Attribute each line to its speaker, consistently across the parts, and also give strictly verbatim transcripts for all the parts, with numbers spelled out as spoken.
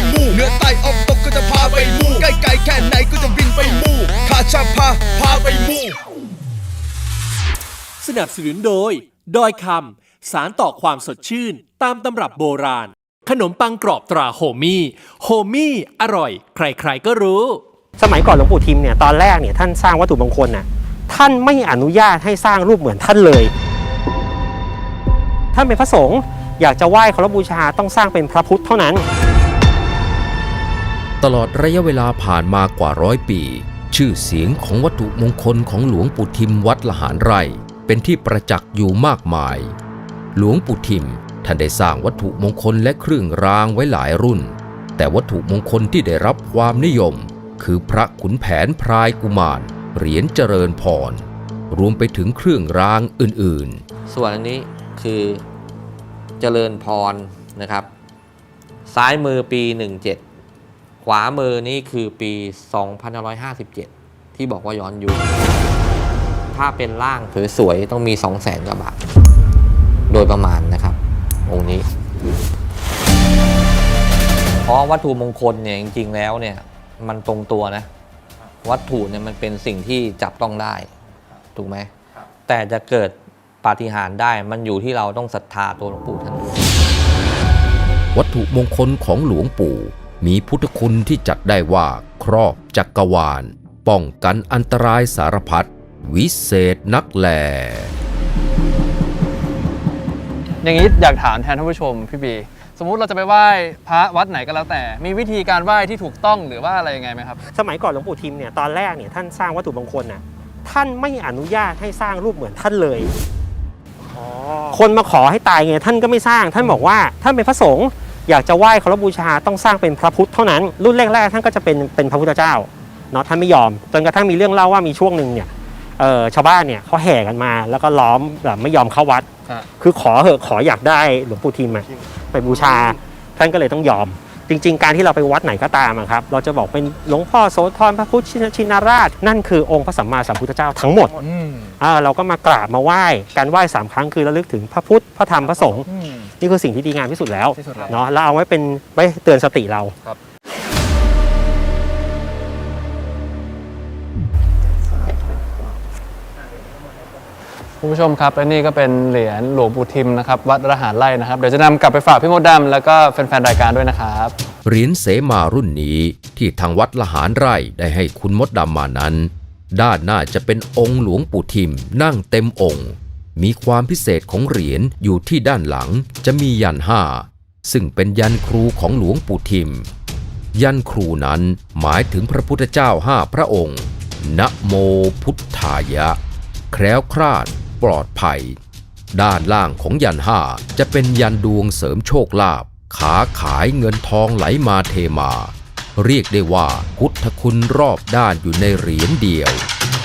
Speaker 1: มู่เหนือใต้ออกตกก็จะพาไปมู่ใกล้ไกลแค่ไหนก็จะบินไปมู่ข้าจะพาพาไปมู่
Speaker 2: สนับสนุนโดยดอยคำสารต่อความสดชื่นตามตำรับโบราณขนมปังกรอบตราโฮมี่โฮมี่อร่อยใครๆก็รู้
Speaker 3: สมัยก่อนหลวงปู่ทิมเนี่ยตอนแรกเนี่ยท่านสร้างวัตถุมงคลน่ะท่านไม่อนุญาตให้สร้างรูปเหมือนท่านเลยท่านเป็นพระสงฆ์อยากจะไหว้เคารพบูชาต้องสร้างเป็นพระพุทธเท่านั้น
Speaker 4: ตลอดระยะเวลาผ่านมากว่าร้อยปีชื่อเสียงของวัตถุมงคลของหลวงปู่ทิมวัดละหารไร่เป็นที่ประจักษ์อยู่มากมายหลวงปู่ทิมท่านได้สร้างวัตถุมงคลและเครื่องรางไว้หลายรุ่นแต่วัตถุมงคลที่ได้รับความนิยมคือพระขุนแผนพรายกุมารเหรียญเจริญพรรวมไปถึงเครื่องรางอื่น
Speaker 5: ๆส่วนอันนี้คือเจริญพรนะครับซ้ายมือปีหนึ่งเจ็ดขวามือนี่คือปีสองพันห้าร้อยห้าสิบเจ็ดที่บอกว่าย้อนยุคถ้าเป็นร่างสวยๆต้องมี สองแสน กว่าบาทโดยประมาณนะครับองค์นี้เพราะวัตถุมงคลเนี่ยจริงๆแล้วเนี่ยมันตรงตัวนะวัตถุเนี่ยมันเป็นสิ่งที่จับต้องได้ถูกไหมแต่จะเกิดปาฏิหาริย์ได้มันอยู่ที่เราต้องศรัทธาตัวหลวงปู่ท่านด้วย
Speaker 4: วัตถุมงคลของหลวงปู่มีพุทธคุณที่จัดได้ว่าครอบจักรวาลป้องกันอันตรายสารพัดวิเศษนักแล
Speaker 6: อย่างนี้อยากถามแทนท่านผู้ชมพี่บีสมมุติเราจะไปไหว้พระวัดไหนก็แล้วแต่มีวิธีการไหว้ที่ถูกต้องหรือว่าอะไรยังไงไหมครับ
Speaker 3: สมัยก่อนหลวงปู่ทิมเนี่ยตอนแรกเนี่ยท่านสร้างวัตถุมงคลน่ะท่านไม่อนุญาตให้สร้างรูปเหมือนท่านเลยคนมาขอให้ตายไงท่านก็ไม่สร้างท่านบอกว่าท่านเป็นพระสงฆ์อยากจะไหว้เคารพบูชาต้องสร้างเป็นพระพุทธเท่านั้นรุ่นแรกๆท่านก็จะเป็นเป็นพระพุทธเจ้าเนาะท่านไม่ยอมจนกระทั่งมีเรื่องเล่าว่ามีช่วงหนึ่งเนี่ยชาวบ้านเนี่ยเขาแห่กันมาแล้วก็ล้อมแบบไม่ยอมเข้าวัดคือขอเหอะขออยากได้หลวงปู่ทิมไปบูชาท่านก็เลยต้องยอมจริงๆการที่เราไปวัดไหนก็ตามครับเราจะบอกเป็นหลวงพ่อโสธรพระพุทธชินราชนั่นคือองค์พระสัมมาสัมพุทธเจ้าทั้งหมดเราก็มากราบมาไหว้การไหว้สามครั้งคือระลึกถึงพระพุทธพระธรรมพระสงฆ์นี่คือสิ่งที่ดีงามที่สุดแล้วเนาะเราเอาไว้เป็นไว้เตือนสติเรา
Speaker 6: คุณผู้ชมครับและนี่ก็เป็นเหรียญหลวงปู่ทิมนะครับวัดละหารไร่นะครับเดี๋ยวจะนำกลับไปฝากพี่มดดำแล้วก็แฟนๆรายการด้วยนะครับ
Speaker 4: เหรียญเสมารุ่นนี้ที่ทางวัดละหารไร่ได้ให้คุณมดดำมานั้นด้านหน้าจะเป็นองค์หลวงปู่ทิมนั่งเต็มองค์มีความพิเศษของเหรียญอยู่ที่ด้านหลังจะมียันห้าซึ่งเป็นยันครูของหลวงปู่ทิมยันครูนั้นหมายถึงพระพุทธเจ้าห้าพระองค์นะโมพุทธายะแคล้วคลาดปลอดภัยด้านล่างของยันห้าจะเป็นยันดวงเสริมโชคลาภขาขายเงินทองไหลมาเทมาเรียกได้ว่าพุทธคุณรอบด้านอยู่ในเหรียญเดียว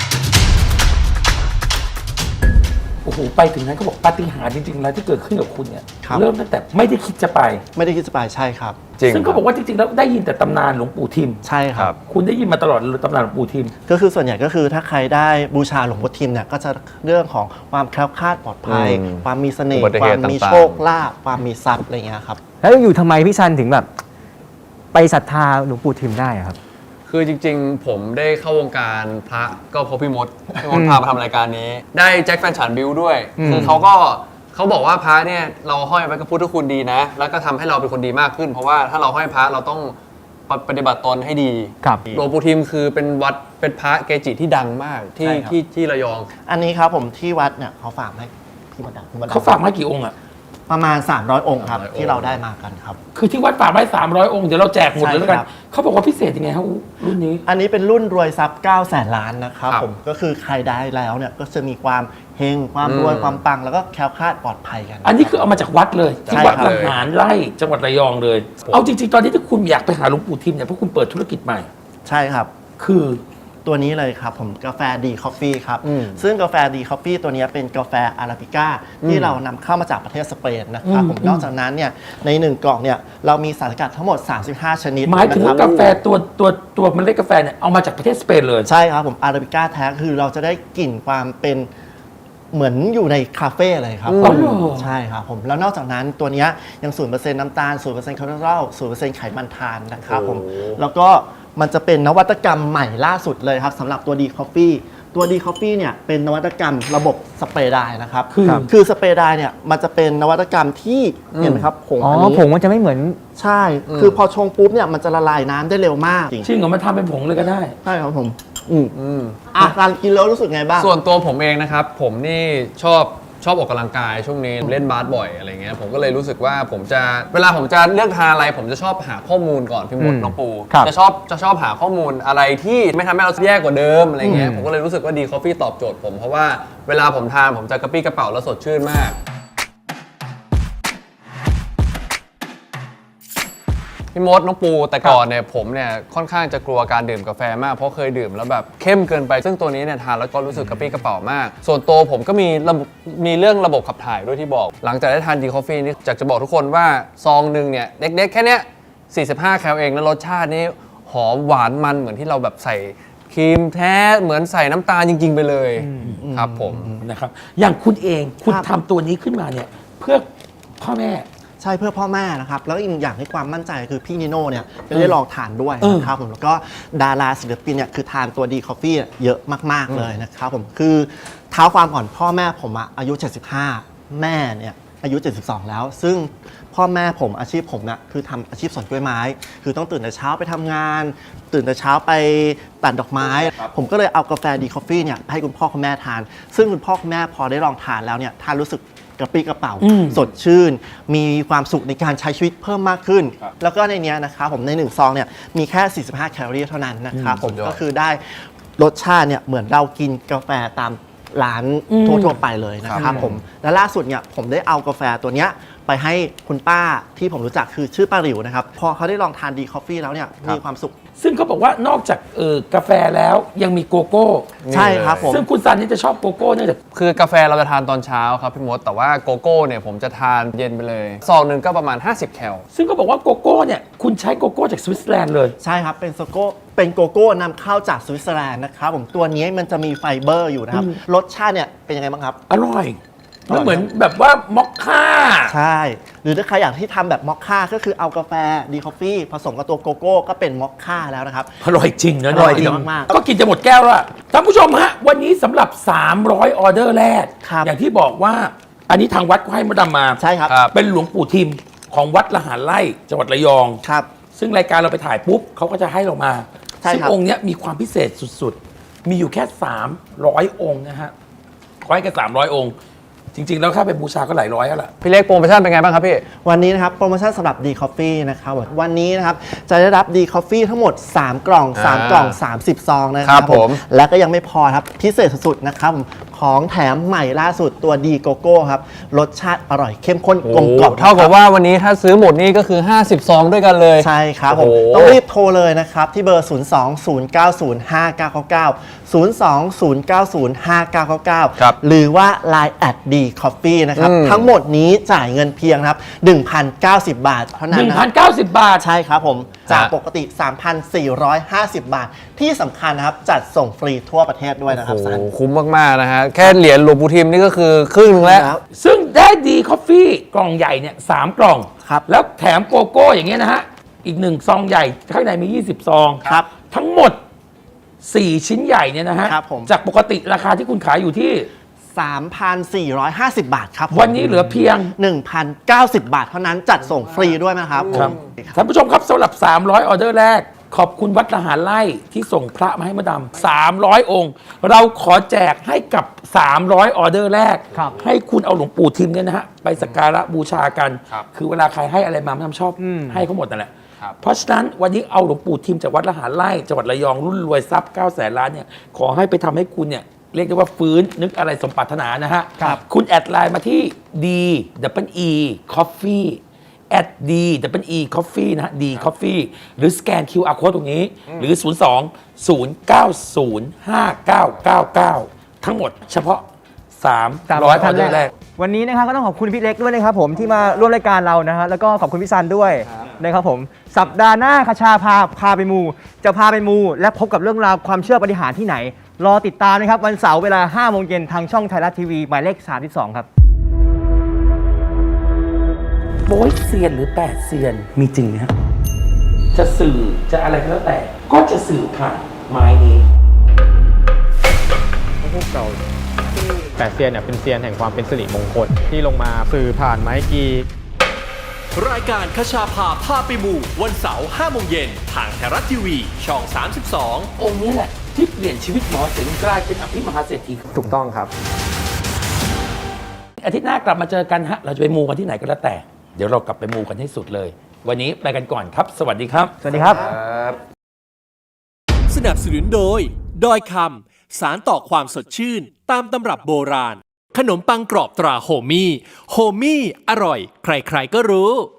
Speaker 7: โอ้โหไปถึงนั้นเขาบอกปาฏิหาริย์จริงๆแล้วที่เกิดขึ้นกับคุณเนี่ยเริ่มตั้งแต่ไม่ได้คิดจะไป
Speaker 8: ไม่ได้คิดจะไปใช่ครับ
Speaker 7: ซึ่งเขาบอกว่าจริงๆแล้วได้ยินแต่ตำนานหลวงปู่ทิม
Speaker 8: ใช่ครับ
Speaker 7: คุณได้ยินมาตลอดตำนานหลวงปู่ทิม
Speaker 8: ก็คือส่วนใหญ่ก็คือถ้าใครได้บูชาหลวงปู่ทิมเนี่ยก็จะเรื่องของความแคล้วคลาดปลอดภัยความมีเสน่ห์ความมีโชคลาภความมีทรัพย์อะไรเงี้ยครับ
Speaker 9: แล้วอยู่ทำไมพี่ชันถึงแบบไปศรัทธาหลวงปู่ทิมได้ครับ
Speaker 6: คือจริงๆผมได้เข้าวงการพระก็เพราะพี่มดพี่มดพามาทำรายการนี้ได้แจ็คแฟนฉันบิวด้วยคือเขาก็เขาบอกว่าพระเนี่ยเราห้อยไว้กับพุทธคุณดีนะแล้วก็ทำให้เราเป็นคนดีมากขึ้นเพราะว่าถ้าเราห้อยพระเราต้องปฏิบัติตนให้ดีหลวงปู่ทิมคือเป็นวัดเป็นพระเกจิที่ดังมากที่ที่ที่ระยอง
Speaker 8: อันนี้ครับผมที่วัดเนี่ยเขาฝากให้พี่มดดำ
Speaker 7: เขาฝากมากี่องค์อะ
Speaker 8: ประมาณสามร้อยองค์ครับที่เราได้มากันครับ
Speaker 7: คือที่วัดฝากไว้สามร้อยองค์เดี๋ยวเราแจกหมดเลยแล้วกันเขาบอกว่าพิเศษยังไงครับรุ่นนี้
Speaker 8: อันนี้เป็นรุ่นรวยทรัพย์เก้าแสนล้านนะครับผมก็คือใครได้แล้วเนี่ยก็จะมีความเฮงความรวยความปังแล้วก็แคล้วคลาดปลอดภัยกัน
Speaker 7: อันนี้คือเอามาจากวัดเลยที่วัดละหารไร่จังหวัดระยองเลยเอาจริงๆตอนนี้ถ้าคุณอยากไปหาหลวงปู่ทิมเนี่ยเพราะคุณเปิดธุรกิจใหม่
Speaker 8: ใช่ครับ
Speaker 7: คือ
Speaker 8: ตัวนี้เลยครับผมกาแฟดีคอฟฟี่ครับซึ่งกาแฟดีคอฟฟี่ตัวนี้เป็นกาแฟอาราบิก้าที่เรานำเข้ามาจากประเทศสเปนนะครับผมนอกจากนั้นเนี่ยในหนึ่งกล่องเนี่ยเรามีสารสกัดทั้งหมดสามสิบห้าชนิด
Speaker 7: หมายถึงว่ากาแฟตัวตัวตัวเมล็ดกาแฟเนี่ยเอามาจากประเทศสเปนเลย
Speaker 8: ใช่ครับผมอาราบิก้าแท้คือเราจะได้กลิ่นความเป็นเหมือนอยู่ในคาเฟ่เลยครับ
Speaker 7: อ๋อเหรอ
Speaker 8: ใช่ครับผมแล้วนอกจากนั้นตัวเนี้ยยังศูนย์เปอร์เซ็นต์น้ำตาลศูนย์เปอร์เซ็นต์คอเลสเตอรอลศูนย์เปอร์เซ็นต์ไขมันทานนะครับผมแล้วก็มันจะเป็นนวัตกรรมใหม่ล่าสุดเลยครับสำหรับตัวดีคอฟฟี่ตัวดีคอฟฟี่เนี่ยเป็นนวัตกรรมระบบสเปรย์ไดร์นะครับ
Speaker 7: คือ
Speaker 8: คือสเปรย์ไดร์เนี่ยมันจะเป็นนวัตกรรมที่เห็นไหมครับผง
Speaker 9: อ๋อ
Speaker 8: อันนี้
Speaker 9: ผงมันจะไม่เหมือน
Speaker 8: ใช่ คือพอชงปุ๊บเนี่ยมันจะละลายน้ำได้เร็วมาก
Speaker 7: จริงเหรอมันทำเป็นผงเลยก็ได้
Speaker 8: ใช่ครับผมอืมอ่ะการกินแล้วรู้สึกไงบ้าง
Speaker 6: ส่วนตัวผมเองนะครับ ผมนี่ชอบชอบออกกำลังกายช่วงนี้เล่นบาสบ่อยอะไรเงี้ยผมก็เลยรู้สึกว่าผมจะเวลาผมจะเลือกทานอะไร ผมจะชอบหาข้อมูลก่อนพี่มด
Speaker 9: อืม
Speaker 6: น้องปู
Speaker 9: ครับ
Speaker 6: จะชอบจะชอบหาข้อมูลอะไรที่ไม่ทำให้เราแย่กว่าเดิมอะไรเงี้ย
Speaker 9: อืม
Speaker 6: ผมก็เลยรู้สึกว่าดีคอฟฟี่ตอบโจทย์ผมเพราะว่าเวลาผมทานผมจะกระปี้กระเป๋าแล้วสดชื่นมาก พี่มดน้องปูแต่ก่อนเนี่ยผมเนี่ยค่อนข้างจะกลัวการดื่มกาแฟมากเพราะเคยดื่มแล้วแบบเข้มเกินไปซึ่งตัวนี้เนี่ยทานแล้วก็รู้สึกกระปรี้กระเป๋ามาก ส่วนตัวผมก็มีระบบมีเรื่องระบบขับถ่ายด้วยที่บอก หลังจากได้ทานดีคอฟฟี่นี่อยากจะบอกทุกคนว่าซองหนึ่งเนี่ยเล็กๆแค่เนี้ยสี่สิบห้าแคลเองแล้วรสชาตินี่หอมหวานมันเหมือนที่เราแบบใส่ครีมแท้เหมือนใส่น้ำตาลจริง ๆ ไปเลยครับผม
Speaker 7: นะครับอย่างคุณเองคุณ
Speaker 8: ครับ
Speaker 7: ทำตัวนี้ขึ้นมาเนี่ยเพื่อพ่อแม่
Speaker 8: ใช่เพื่อพ่อแม่นะครับ แล้วอีกอย่างให้ความมั่นใจคือพี่นิโน่เนี่ยจะได้ลองทานด้วยนะครับผมแล้วก็ดาราศิลปินเนี่ยคือทานตัวดีคอฟฟี่เยอะมากๆเลยนะครับผมคือเท้าความก่อนพ่อแม่ผมอะอายุ เจ็ดสิบห้า แม่เนี่ยอายุ เจ็ดสิบสอง แล้ว ซึ่งพ่อแม่ผมอาชีพผมเนี่ยคือทำอาชีพสวนกล้วยไม้ คือต้องตื่นแต่เช้าไปทำงาน ตื่นแต่เช้าไปตัดดอกไม้ ผมก็เลยเอากาแฟดีคอฟฟี่เนี่ยให้คุณพ่อคุณแม่ทาน ซึ่งคุณพ่อคุณแม่พอได้ลองทานแล้วเนี่ยทานรู้สึกกระปรี้กระเป๋า
Speaker 7: อืม
Speaker 8: สดชื่น มีความสุขในการใช้ชีวิตเพิ่มมากขึ้น แล้วก็ในเนี้ยนะครับผมในหนึ่งซองเนี่ยมีแค่ สี่สิบห้า แคลอรี่เท่านั้นนะครับผม
Speaker 6: สุดยอด
Speaker 8: ก็คือได้รสชาติเนี่ยเหมือนเรากินกาแฟตามร้านทั่วๆไปเลยนะครับผมและล่าสุดเนี่ยผมได้เอากาแฟตัวเนี้ยไปให้คุณป้าที่ผมรู้จักคือชื่อป้าหลิวนะครับพอเขาได้ลองทานดีคอฟฟี่แล้วเนี่ยมีความสุข
Speaker 7: ซึ่งเขาบอกว่านอกจากเออกาแฟแล้วยังมีโกโก้
Speaker 8: ใช่ครับผม
Speaker 7: ซึ่งคุณซันนี่จะชอบโกโก้เนื่องจาก
Speaker 6: คือกาแฟเราจะทานตอนเช้าครับพี่มดแต่ว่าโกโก้เนี่ยผมจะทานเย็นไปเลยซองหนึ่งก็ประมาณห้าสิบแคล
Speaker 7: ซึ่งเขาบอกว่าโกโก้เนี่ยคุณใช้โกโก้จากสวิตเซอร์แลนด์เลย
Speaker 8: ใช่ครับ เป็นโซโก้เป็นโกโก้นำเข้าจากสวิตเซอร์แลนด์นะครับผมตัวนี้มันจะมีไฟเบอร์อยู่นะครับ รสชาติเนี่ยเป็นยังไงบ้างครับ
Speaker 7: อร่อยมันเหมือนแบบว่ามอคค่า
Speaker 8: ใช่ หรือถ้าใครอยากที่ทำแบบมอคค่าก็คือเอากาแฟดีคอฟฟี่ผสมกับตัวโกโก้ก็เป็นมอคค่าแล้วนะครับ
Speaker 7: อร่อยจริงนะ
Speaker 8: อร่อยจริงมากๆ
Speaker 7: ก็กินจะหมดแก้วแล้วอะท่านผู้ชมฮะ วันนี้สำหรับ สามร้อย ออเดอร์แรก
Speaker 8: ครับ
Speaker 7: อย่างที่บอกว่า อันนี้ทางวัดก็ให้มาดำมา
Speaker 8: ใช่ครับ
Speaker 7: เป็นหลวงปู่ทิมของวัดละหารไร่จังหวัดระยอง
Speaker 8: ครับ
Speaker 7: ซึ่งรายการเราไปถ่ายปุ๊บเขาก็จะให้เรามา
Speaker 8: ใช่
Speaker 7: ซึ่ง
Speaker 8: ครับ
Speaker 7: องค์เนี้ยมีความพิเศษสุดๆ มีอยู่แค่ สามร้อย องค์นะฮะขอให้กันสามร้อย องค์ จริง ๆ แล้วค่าไปบูชาก็หลายร้อยแล้วล่ะ
Speaker 6: พี่เล็กโปรโมชั่นเป็นไงบ้างครับพี่
Speaker 8: วันนี้นะครับโปรโมชั่นสำหรับดีคอฟฟี่นะครับวันนี้นะครับจะได้รับดีคอฟฟี่ทั้งหมด สาม กล่อง สาม กล่อง สามสิบ ซองนะค
Speaker 6: ครั
Speaker 8: รับบ
Speaker 6: ผม
Speaker 8: และก็ยังไม่พอครับพิเศษสุดๆนะครับผมของแถมใหม่ล่าสุดตัวดีโกโก้ครับรสชาติอร่อยเข้มข้นกลมกล่อม
Speaker 6: เท่ากับว่าวันนี้ถ้าซื้อหมดนี่ก็คือห้าสิบซองด้วยกันเลย
Speaker 8: ใช่ครับผม
Speaker 6: โอ้โห
Speaker 8: ต้องรีบโทรเลยนะครับ ที่เบอร์ ศูนย์ สอง ศูนย์ เก้า ศูนย์ ห้า เก้า เก้า เก้า ศูนย์ สอง ศูนย์ เก้า ศูนย์ ห้า เก้า เก้า เก้า
Speaker 6: ครับ
Speaker 8: หรือว่า ไลน์ แอด ดี คอฟฟี่ นะครับ
Speaker 6: อืม
Speaker 8: ทั้งหมดนี้จ่ายเงินเพียงครับ หนึ่งพันเก้าสิบ บาทเท่านั้นนะครับ
Speaker 7: หนึ่งพันเก้าสิบ บาท
Speaker 8: ใช่ครับผม จากปกติ สามพันสี่ร้อยห้าสิบ บาท ที่สำคัญนะครับ จัดส่งฟรีทั่วประเทศด้วยนะครับ
Speaker 6: โอ้โห
Speaker 8: ซัน
Speaker 6: คุ้มมาก ๆ นะฮะ แค่เหรียญหลวงปู่ทิมนี่ก็คือครึ่งหนึงแล้ว
Speaker 8: ครับ
Speaker 7: ซึ่งได้ดีคอฟฟี่กล่องใหญ่เนี่ยสามกล่อง
Speaker 8: ครับ
Speaker 7: แล้วแถมโกโก้อย่างเงี้ยนะฮะ อีกหนึ่งซองใหญ่ ข้างในมี ยี่สิบ ซอง
Speaker 8: ครับ
Speaker 7: ทั้งหมด สี่ ชิ้นใหญ่เนี่ยนะฮะ
Speaker 8: ครับผม
Speaker 7: จากปกติราคาที่คุณขายอยู่ที่
Speaker 8: สามพันสี่ร้อยห้าสิบ บาทครับผม
Speaker 7: วันนี้เหลือเพียง
Speaker 8: หนึ่งพันเก้าสิบ บาทเท่านั้นจัดส่งฟรีด้วยนะครับผม
Speaker 7: ท่านผู้ชมครับสำหรับ สามร้อย ออเดอร์แรก ขอบคุณวัดละหารไร่ที่ส่งพระมาให้มาดำสามร้อย องค์ เราขอแจกให้กับ สามร้อย ออเดอร์แรก
Speaker 9: ครับ
Speaker 7: ให้คุณเอาหลวงปู่ทิมเนี่ยนะฮะ ไปสักการะบูชากัน
Speaker 6: ครับ
Speaker 7: คือเวลาใครให้อะไรมามาทำชอบ
Speaker 9: อืม
Speaker 7: ให้เขาหมดนั่นแหละ
Speaker 6: ครับ
Speaker 7: เพราะฉะนั้นวันนี้เอาหลวงปู่ทิมจากวัดละหารไร่จังหวัดระยองรุ่นรวยทรัพย์เก้าแสนล้านเนี่ยขอให้ไปทำให้คุณเนี่ยเรียกได้ว่าฟื้นนึกอะไรสมปรารถนานะฮะ
Speaker 9: ครับ
Speaker 7: คุณแอดไลน์มาที่ D W E Coffee แอด D W E Coffee นะฮะ D Coffee หรือสแกน คิว อาร์ Code ตรงนี้ หรือ ศูนย์ สอง ศูนย์ เก้า ศูนย์ ห้า เก้า เก้า เก้า ทั้งหมดเฉพาะ สามร้อย ออเดอร์แรก
Speaker 9: วันนี้นะครับก็ต้องขอบคุณพี่เล็กด้วยนะครับผมที่มาร่วมรายการเรานะฮะแล้วก็ขอบคุณพี่ซันด้วยนะครับผมสัปดาห์หน้าคชาพาพาไปมู จะพาไปมู และพบกับเรื่องราวความเชื่อปาฏิหาริย์ที่ไหนรอติดตามนะครับ วันเสาร์เวลาห้าโมงเย็นทางช่องไทยรัฐทีวีหมายเลขสามสิบสองครับ
Speaker 7: โบ๊ยเซียนหรือแปดเซียนมีจริงไหมฮะจะสื่อจะอะไรก็แล้วแต่ ก็จะสื่อผ่านไม้นี้
Speaker 3: พวกเราแปดเซียนเนี่ยเป็นเซียนแห่งความเป็นสิริมงคลที่ลงมาสื่อผ่านไม้กี
Speaker 2: รายการคชาพาพาไปหมู่วันเสาร์ห้าโมงเย็นทางไทยรัฐทีวีช่องสามสิบสอง
Speaker 7: องค์นี้แหละที่เปลี่ยนชีวิตหมอเสงกลายเป็นอภิมหาเศรษฐี
Speaker 3: ถูกต้องครับ
Speaker 7: อาทิตย์หน้ากลับมาเจอกันฮะเราจะไปมูกันที่ไหนก็แล้วแต่ เดี๋ยวเรากลับไปมูกันให้สุดเลย วันนี้ไปกันก่อนครับ สวัสดีครับ
Speaker 9: สวัสดีครับ
Speaker 2: สนับสนุนโดยดอยคำสารต่อความสดชื่นตามตำรับโบราณ ขนมปังกรอบตราโฮมี่โฮมี่อร่อย ใครๆก็รู้